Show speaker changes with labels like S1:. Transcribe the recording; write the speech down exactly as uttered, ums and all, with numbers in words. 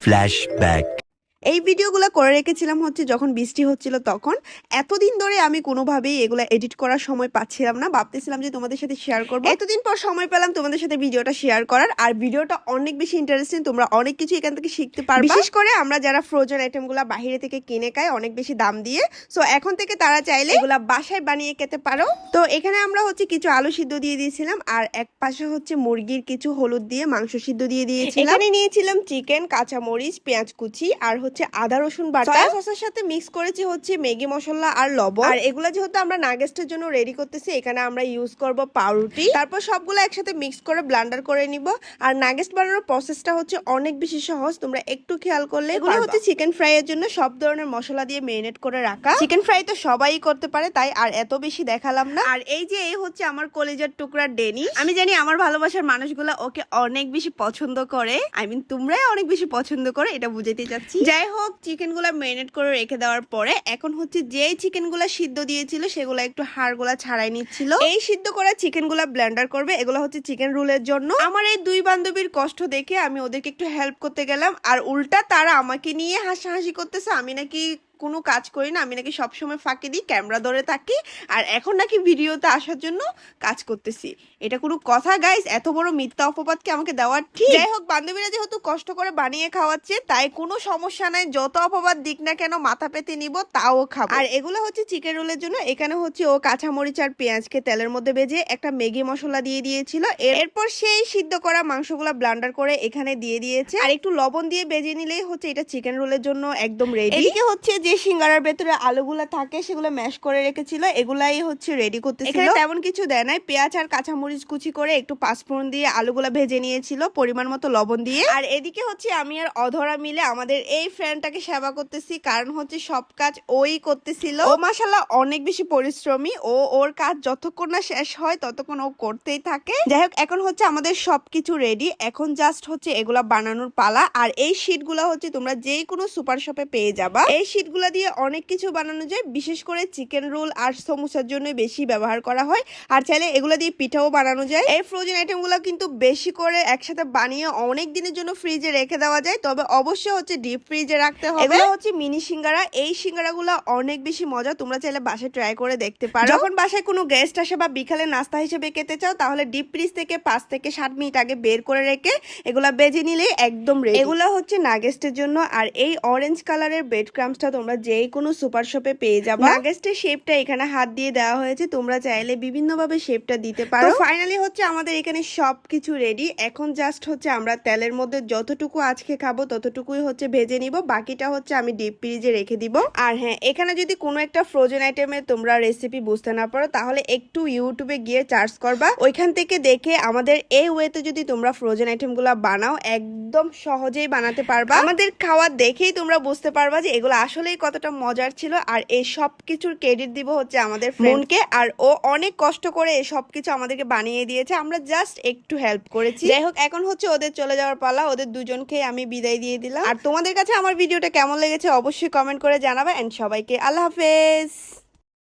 S1: Flashback.
S2: এই ভিডিওগুলো করে রেখেছিলাম হচ্ছে যখন বৃষ্টি হচ্ছিল তখন। এতদিন ধরে আমি কোনোভাবেই এগুলো এডিট করার সময় পাচ্ছিলাম না, ভাবতেছিলাম যে তোমাদের সাথে শেয়ার করবো। এতদিন পর সময় পেলাম তোমাদের সাথে ভিডিওটা শেয়ার করার, আর ভিডিওটা অনেক বেশি ইন্টারেস্টিং। তোমরা অনেক কিছু এখান থেকে শিখতে পারবে, বিশেষ করে আমরা যারা ফ্রোজেন আইটেমগুলো বাইরে থেকে কিনে খাই অনেক বেশি দাম দিয়ে। সো এখন থেকে তারা চাইলে এগুলা বাসায় বানিয়ে খেতে পারো। তো এখানে আমরা হচ্ছে কিছু আলু সিদ্ধ দিয়ে দিয়েছিলাম, আর এক পাশে হচ্ছে মুরগির কিছু হলুদ দিয়ে মাংস সিদ্ধ দিয়ে দিয়েছিলাম। এখানে নিয়েছিলাম চিকেন, কাঁচামরিচ, পেঁয়াজ কুচি, আর হচ্ছে আদা রসুন বাটা। সয়া সসের সাথে মিক্স করেছি হচ্ছে ম্যাগি মশলা আর লবণ। আর এগুলা যেহেতু আমরা নাগেস্টের জন্য রেডি করতেছি, এখানে আমরা ইউজ করব পাউরুটি। তারপর সবগুলো একসাথে মিক্স করে ব্লেন্ডার করে নিব। আর নাগেস্ট বানানোর প্রসেসটা হচ্ছে অনেক বেশি সহজ, তোমরা একটু খেয়াল করলে। এগুলো হচ্ছে চিকেন ফ্রাই এর জন্য সব ধরনের মশলা দিয়ে মেরিনেট করে রাখা। চিকেন ফ্রাই তো সবাই করতে পারে, তাই আর এত বেশি দেখালাম না। আর এই যে এই হচ্ছে আমার কলিজার টুকরা ডেনি। আমি জানি আমার ভালোবাসার মানুষগুলো ওকে অনেক বেশি পছন্দ করে, আই মিন তোমরাই অনেক বেশি পছন্দ করে, এটা বুঝাতে চাচ্ছি। যাই হোক, চিকেন গুলা মেরিনেট করে রেখে দেওয়ার পরে এখন হচ্ছে যেই চিকেন গুলা সিদ্ধ দিয়েছিল সেগুলা একটু হাড় গুলা ছাড়াই নিচ্ছিল। এই সিদ্ধ করা চিকেন গুলা ব্লেন্ডার করবে, এগুলো হচ্ছে চিকেন রোলের জন্য। আমার এই দুই বান্ধবীর কষ্ট দেখে আমি ওদেরকে একটু হেল্প করতে গেলাম, আর উল্টা তারা আমাকে নিয়ে হাসাহাসি করতেছে। আমি নাকি কোনো কাজ করি না, আমি নাকি সবসময় ফাঁকি দিই, ক্যামেরা ধরে থাকি, আর এখন নাকি ভিডিওতে আসার জন্য কাজ করতেছি। এটা কোনো কথা গাইস? এত বড় মিথ্যা অপবাদকে আমাকে দেওয়ার ঠিক? যাই হোক, বান্ধবীরা যেহেতু কষ্ট করে বানিয়ে খাওয়াচ্ছে তাই কোনো সমস্যা নাই, যত অপবাদ দিক না কেন মাথা পেতে নিব, তাও খাবো। আর এগুলো হচ্ছে চিকেন রোলের জন্য। এখানে হচ্ছে ও কাঁচামরিচ আর পেঁয়াজকে তেলের মধ্যে ভেজে একটা ম্যাগি মশলা দিয়ে দিয়েছিল। এরপর সেই সিদ্ধ করা মাংসগুলা ব্লেন্ডার করে এখানে দিয়ে দিয়েছে, আর একটু লবণ দিয়ে ভেজে নিলেই হচ্ছে এটা চিকেন রোলের জন্য একদম রেডি। এদিকে হচ্ছে যে সিঙ্গারার ভেতরে আলুগুলা থাকে সেগুলো ম্যাশ করে রেখেছিল, এগুলাই হচ্ছে রেডি করতেছিল। এখানে তেমন কিছু দেয় নাই, পেঁয়াজ আর কাঁচামরিচ কুচি করে একটু পাঁচফোড়ন দিয়ে আলুগুলা ভেজে নিয়েছিল পরিমাণ মতো লবণ দিয়ে। আর এদিকে হচ্ছে আমি আর অধরা মিলে আমাদের এই ফ্রেন্ডটাকে সেবা করতেছি, কারণ হচ্ছে সব কাজ ওই করতেছিল। ও মাশাআল্লাহ অনেক বেশি পরিশ্রমী, ও ওর কাজ যতক্ষণ না শেষ হয় ততক্ষণ ও করতেই থাকে। যাই হোক, এখন হচ্ছে আমাদের সবকিছু রেডি, এখন জাস্ট হচ্ছে এগুলা বানানোর পালা। আর এই শীটগুলা হচ্ছে তোমরা যে কোনো সুপার শপে পেয়ে যাবা। এই শীটগুলা দিয়ে অনেক কিছু বানানো যায়, বিশেষ করে চিকেন রোল আর সমোসার জন্য বেশি ব্যবহার করা হয়। আর চাইলে এগুলা দিয়ে পিঠাও বানানো যায়। এই ফ্রোজেন আইটেমগুলো কিন্তু বেশি করে একসাথে বানিয়ে অনেক দিনের জন্য ফ্রিজে রেখে দেওয়া যায়, তবে অবশ্যই হচ্ছে ডিপ ফ্রিজে রাখতে হবে। এগুলো হচ্ছে মিনি সিঙ্গারা। এই সিঙ্গারাগুলো অনেক বেশি মজা, তোমরা চাইলে বাসায় ট্রাই করে দেখতে পারো। যখন বাসায় কোনো গেস্ট আসে বা বিকালে নাস্তা হিসেবে খেতে চাও, তাহলে ডিপ ফ্রিজ থেকে পাঁচ থেকে সাত মিনিট আগে বের করে রেখে এগুলা বেজে নিলে একদম রেডি। এগুলো হচ্ছে নাগেস্টের জন্য। আর এই অরেঞ্জ কালারের ব্রেড ক্রাম্বসটা তোমরা যেই কোনো সুপার শপে পেয়ে যাবে। নাগেস্টের শেপটা এখানে হাত দিয়ে দেওয়া হয়েছে, তোমরা চাইলে বিভিন্ন ভাবে শেপটা দিতে পারো। ফাইনালি হচ্ছে আমাদের এখানে সবকিছু রেডি। এখন জাস্ট হচ্ছে আমরা তেলের মধ্যে যতটুকু আজকে খাবো ততটুকুই হচ্ছে ভেজে নিব, বাকিটা হচ্ছে আমি ডিপ ফ্রিজে রেখে দিব। আর হ্যাঁ, এখানে যদি কোনো একটা ফ্রোজেন আইটেমের তোমরা রেসিপি বুঝতে না পারো, তাহলে একটু ইউটিউবে গিয়ে সার্চ করবা, ওইখান থেকে দেখে আমাদের এই ওয়েতে যদি তোমরা ফ্রোজেন আইটেম গুলা বানাও একদম সহজেই বানাতে পারবা। আমাদের খাওয়া দেখেই তোমরা বুঝতে পারবা যে এগুলো আসলেই কতটা মজার ছিল। আর এই সব কিছুর ক্রেডিট দিব হচ্ছে আমাদের ফ্রেন্ডকে, আর ও অনেক কষ্ট করে এই সব কিছু আমাদেরকে বানিয়ে দিয়েছে, আমরা জাস্ট একটু হেল্প করেছি। যাই হোক, এখন হচ্ছে ওদের চলে যাওয়ার পালা, ওদের দুজনকে আমি বিদায় দিয়ে দিলাম। আর তোমাদের কাছে আমার ভিডিওটা কেমন লেগেছে অবশ্যই কমেন্ট করে জানাবে, এন্ড সবাইকে আল্লাহ হাফেজ।